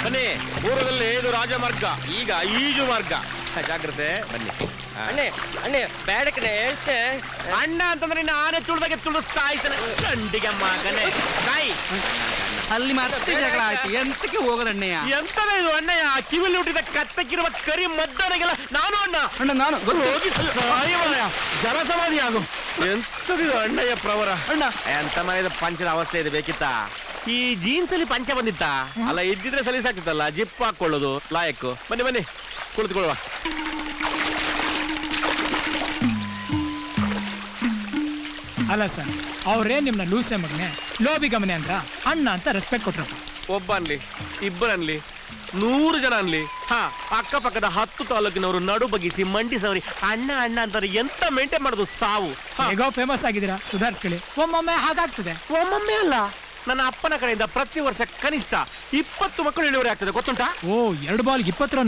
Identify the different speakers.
Speaker 1: ಬನ್ನಿ, ಪೂರ್ವದಲ್ಲಿ ಇದು ರಾಜಮಾರ್ಗ, ಈಗ ಈಜು ಮಾರ್ಗ. ಜಾಗ್ರತೆ, ಬನ್ನಿ.
Speaker 2: ಅಣ್ಣೆ ಅಣ್ಣೆ ಬೇಡಕನೆ ಹೇಳ್ತೆ.
Speaker 1: ಅಣ್ಣ ಅಂತಂದ್ರೆ ಇನ್ನು ಆನೆ ತುಳಿದಾಗೆ ತುಳಿದು ಸಾಯ್ತಾನೆ. ಸಂಡಿಗೆ ಮಗನೇ ಸಾಯಿ.
Speaker 3: ಅಲ್ಲಿ ಮತ್ತೆ ಜಗಳ ಆಯ್ತು, ಎಂತಕ್ಕೆ ಹೋಗೋದಣ್ಣಯ್ಯ?
Speaker 1: ಎಂತದ ಇದು ಅಣ್ಣಯ್ಯ? ಕಿವಿಲಿ ಹುಟ್ಟಿದ ಕತ್ತಕ್ಕಿರುವ ಕರಿ ಮದ್ದನೆಗೆಲ್ಲ ನಾನು ಅಣ್ಣ.
Speaker 3: ಅಣ್ಣ ನಾನು
Speaker 1: ಹೋಗಿ ಸಾಯುವಯ್ಯ, ಜನ ಸಮಾಧಿ ಆಗು. ಎಂತದಿದು ಅಣ್ಣಯ್ಯ ಪ್ರವರ?
Speaker 3: ಅಣ್ಣ
Speaker 1: ಎಂತ ಮನೆಯ ಪಂಚದ ಅವಸ್ಥೆ ಇದೆ ಬೇಕಿತ್ತ? ಈ ಜೀನ್ಸ್ ಅಲ್ಲಿ ಪಂಚ ಬಂದಿತ್ತ? ಅಲ್ಲ ಇದ್ದಿದ್ರೆ ಸಲೀಸಾಗ್ತಿತ್ತಲ್ಲ, ಜಿಪ್ ಹಾಕೊಳ್ಳೋದು ಲಾಯಕ್ಕು. ಬನ್ನಿ ಬನ್ನಿ ಕುಳಿತುಕೊಳ್ಳುವ.
Speaker 4: ಅಲ್ಲ ಸರ್, ಅವ್ರೇ ನಿಮ್ನ ಲೂಸೆ ಮಗನೆ, ಲೋಬಿ ಗಮನೆ ಅಂದ್ರ ಅಣ್ಣ ಅಂತ ರೆಸ್ಪೆಕ್ಟ್ ಕೊಟ್ರಪ್ಪ.
Speaker 1: ಒಬ್ಬ ಅನ್ಲಿ, ಇಬ್ಬರನ್ಲಿ, 100 ಜನ ಅನ್ಲಿ, ಅಕ್ಕಪಕ್ಕದ 10 ತಾಲೂಕಿನವರು ನಡು ಬಗ್ಗಿಸಿ ಮಂಡಿಸವರಿ ಅಣ್ಣ ಅಣ್ಣ ಅಂತಾರೆ. ಎಂತ ಮೇಂಟೈನ್ ಮಾಡೋದು ಸಾವು.
Speaker 4: ಹೇಗೋ ಫೇಮಸ್ ಆಗಿದ್ದೀರಾ, ಸುಧಾರಿಸ್ಕೊಳ್ಳಿ. ಒಮ್ಮೊಮ್ಮೆ ಹಾಗಾಗ್ತದೆ.
Speaker 1: ಒಮ್ಮೊಮ್ಮೆ ಅಲ್ಲ, ನನ್ನ ಅಪ್ಪನ ಕಡೆಯಿಂದ ಪ್ರತಿ ವರ್ಷ ಕನಿಷ್ಠ 20 ಮಕ್ಕಳು ಇಳುವರಿ ಆಗ್ತದೆ, ಗೊತ್ತುಂಟಾ?
Speaker 4: ಓ, 2 ಬಾಲ್ 20 ರನ್.